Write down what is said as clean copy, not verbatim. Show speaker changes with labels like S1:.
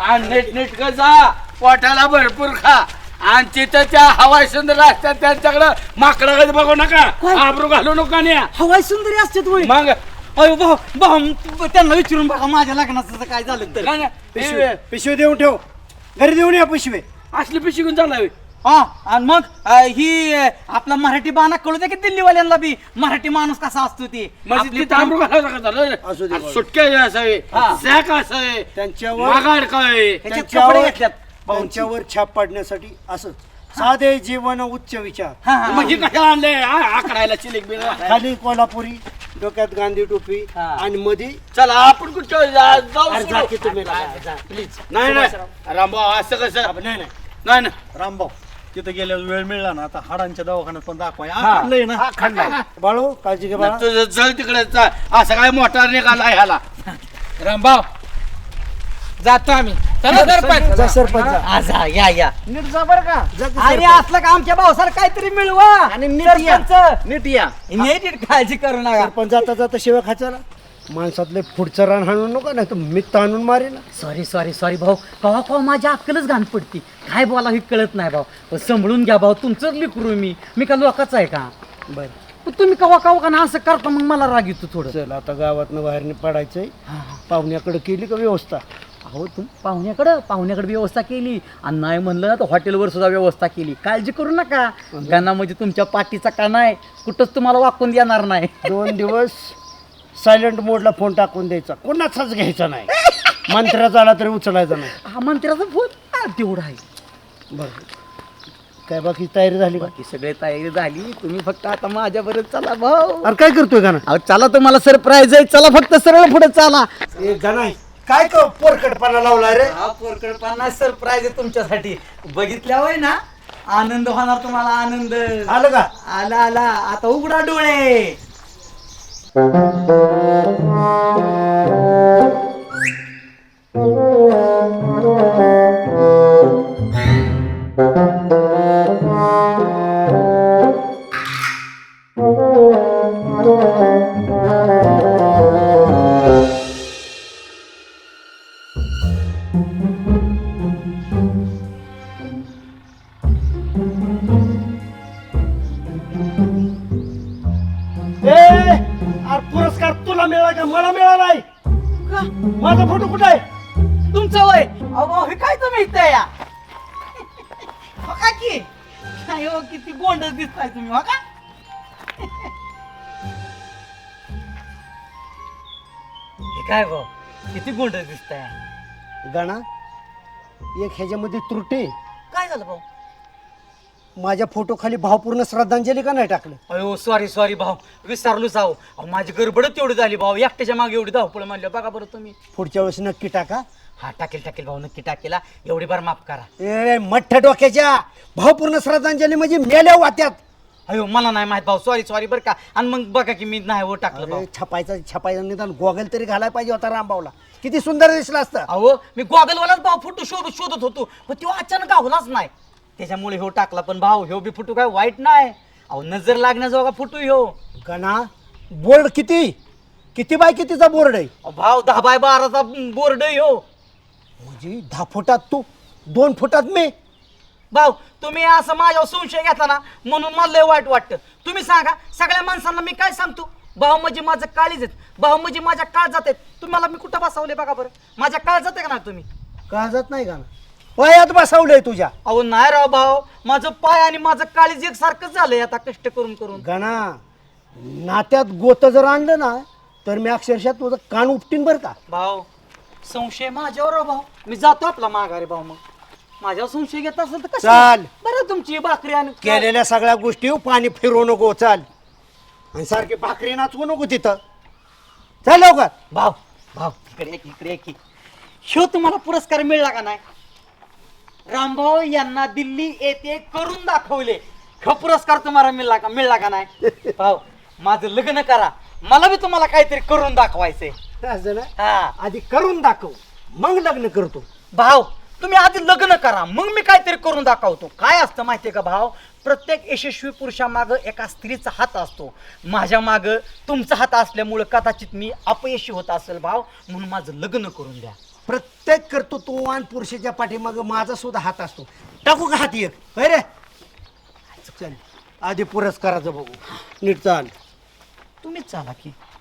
S1: आणि नीट जा, पोटाला भरपूर खा. आणि तिथं त्या हवाई सुंदर असतात त्यांच्याकडं माकडाकडे बघू नका, आबरू घालू नका.
S2: हवाई सुंदरी असते तुम्ही.
S1: मग
S2: अयो भाऊ भाऊ त्यांना विचारून बघा माझ्या लग्नाचं काय झालं तर.
S3: पिशवी देऊन ठेव, घरी देऊन या पिशवी.
S1: असली पिशी घेऊन चालला.
S2: हा आणि मग ही आपला मराठी बाणा कळू दे की दिल्लीवाल्यांना बी मराठी माणूस कसा असतो ते.
S1: म्हणजे तिथं आबरू घालावं
S3: असू दे,
S1: लागत. सुटके असावे, सॅक असावे,
S3: त्यांच्यावर
S1: मागाड काय,
S2: कपडे घेतल्यात.
S3: त्यांच्यावर छाप पाडण्यासाठी असं साधे जीवन उच्च विचार.
S1: म्हणजे कशाला आणले आकडायला चिलिक बिल.
S3: खाली कोल्हापुरी, डोक्यात गांधी टोपी आणि मध्ये
S1: चला आपण कुठं जाऊ.
S3: अरे जा की तुम्ही प्लीज.
S1: नाही रामभाऊ असं कसं
S3: नाही
S1: नाही ना.
S4: रामभाऊ तिथे गेल्यावर वेळ मिळला ना आता हाडांच्या दवाखान्यात पण दाखवाय आणलंय ना.
S3: बाळू काळजी घे बाळा.
S1: तुझं जळ तिकडे असं काय मोटार निघाला ह्याला.
S2: रामभाऊ जातो आम्ही.
S3: जा सरपंच जा.
S2: आज या या
S4: नीट जा बर का.
S3: जा की
S2: आणि
S3: सरपंच.
S2: असलं का आमच्या भाऊसाला काहीतरी मिळवा.
S4: आणि नीट या.
S2: सरपंच,
S4: नीट या.
S2: नीट काळजी करू नका.
S3: सरपंच जाता जाता शिव्या खायचा ना. माणसातले पुढचं रान हाणून नको, नाही तर मी ताणून मारेन.
S2: सॉरी भाऊ. कवा कवा माझ्या अक्कलच घाण पडती. काय बोला हे कळत नाही भाऊ. पण सांभाळून घ्या भाऊ, तुमचंच लिकरू मी का लोकांचं आहे का.
S3: बर
S2: पण तुम्ही कवा कवा का ना असं करता मग मला राग येतो थोडं.
S3: चल आता गावातनं बाहेर पडायचंय. पाहुण्याकडे केली का व्यवस्था.
S2: अहो तुम्ही पाहुण्याकडे व्यवस्था केली आणि नाही म्हणलं ना तर हॉटेलवर सुद्धा व्यवस्था केली. काळजी करू नका. गाणा म्हणजे तुमच्या पाठीचा काना आहे, कुठंच तुम्हाला वाकून देणार नाही.
S3: 2 दिवस सायलेंट मोडला फोन टाकून द्यायचा, कोणाचाच घ्यायचा नाही. मंत्र्याचा आला तरी उचलायचा नाही.
S2: हा मंत्र्याचा फोन तेवढा आहे.
S3: बरं काय बाकी तयारी झाली का.
S2: बाकी सगळे तयारी झाली. तुम्ही फक्त आता माझ्याबरोबर चला भाऊ.
S3: अरे काय करतोय गाणं.
S2: अहो चला तुम्हाला सरप्राईज आहे. चला फक्त सरळ पुढे चला.
S3: एक गाणं काय पोरकटपणा लावलाय रे.
S2: हा पोरकडपणा सरप्राईज आहे तुमच्यासाठी. बघितल्या होय ना आनंद होणार तुम्हाला. आनंद
S3: आलं का.
S2: आला आता उघडा डोळे.
S3: अरे पुरस्कार तुला मिळाला का मला मिळालाय. माझा फोटो कुठे आहे.
S2: तुमचं वय अहो हे काय तुम्ही इथं या. हो का की काय हो किती गोंडच दिसताय तुम्ही. हो का हे काय भाऊ किती गोंडच दिसताय.
S3: गाणा एक ह्याच्यामध्ये त्रुटी.
S2: काय झालं भाऊ.
S3: माझ्या फोटो खाली भावपूर्ण श्रद्धांजली का नाही टाकलं.
S2: अयो सॉरी भाऊ विसरलो जाऊ. माझी गडबडच एवढी झाली भाऊ. एकट्याच्या मागे एवढी धावपळ म्हणलं. बघा बरं तुम्ही.
S3: पुढच्या वेळेस नक्की टाका.
S2: हा टाकेल भाऊ नक्की टाकेला. एवढी बार माफ करा.
S3: ए मठ्ठ डोक्याच्या भावपूर्ण श्रद्धांजली म्हणजे मेल्या वाट्यात.
S2: अयो मला नाही माहित भाऊ. सॉरी बरं का. आणि मग बघा की मी नाही हो टाकलं भाऊ.
S3: अरे छापायचा निदान गोगल तरी घालायला पाहिजे होता रामभाऊला. किती सुंदर दिसला असतं.
S2: अहो मी गॉगलवालाच भाऊ फोटो शोधत होतो पण तो अचानक गावलाच नाही. त्याच्यामुळे हो टाकला. पण भाऊ ह्यो बी फोटो काय वाईट नाही. अहो नजर लागण्याजोगा फोटो ह्यो.
S3: गणा बोर्ड किती बाय कितीचा बोर्ड आहे.
S2: अहो, भाऊ 10 बाय 12चा बोर्ड ह्यो.
S3: म्हणजे 10 फुटात तू 2 फुटात मी.
S2: भाऊ तुम्ही असं माझ्यावर संशय घेतला ना म्हणून मला लय वाईट वाटतं. तुम्ही सांगा सगळ्या माणसांना मी काय सांगतो. भाऊ म्हणजे माझं काळीज आहेत. भाऊ म्हणजे माझ्या काळजात आहेत. तुम्हाला मी कुठं बसवले बघा बरं. माझ्या काळजात आहे का नाही तुम्ही.
S3: काळजात नाही गाणं पायात बसवलंय तुझ्या.
S2: अहो नाही राव भाऊ. माझं पाय आणि माझं काळीज एक सारखंच झालंय आता कष्ट करून.
S3: गणा नात्यात गोत जर आणलं ना तर मी अक्षरशः तुझं कान उपटीन बरं का.
S2: भाऊ संशय माझ्यावर भाऊ. मी जातो आपला माघारी भाऊ. मग माझ्यावर संशय घेत असेल तर कसं
S3: चाल.
S2: बरं तुमची भाकरी आणि
S3: केलेल्या सगळ्या गोष्टी पाणी फिरवू नको. चाल आणि सारखी भाकरी नाचवू नको तिथं. चल लवकर.
S2: भाऊ इकडे की शो तुम्हाला पुरस्कार मिळला का नाही. रामभाऊ यांना दिल्ली येथे करून दाखवले. हा पुरस्कार तुम्हाला मिळला का नाही. भाऊ माझं लग्न करा. मला बी तुम्हाला काहीतरी करून दाखवायचंय.
S3: असं ना.
S2: हा
S3: आधी करून दाखव मग लग्न करतो.
S2: भाऊ तुम्ही आधी लग्न करा मग मी काहीतरी करून दाखवतो. काय असतं माहितीये का भाऊ. प्रत्येक यशस्वी पुरुषामागं एका स्त्रीचा हात असतो. माझ्या मागं तुमचा हात असल्यामुळं कदाचित मी अपयशी होत असेल भाऊ. म्हणून माझं लग्न करून द्या.
S3: प्रत्येक कर्तृत्ववान पुरुषाच्या पाठीमाग माझा सुद्धा हात असतो. टाकू का हात एक? होय रे चल आधी पुरस्काराचं बघू. नीट चाल.
S2: तुम्हीच चाला की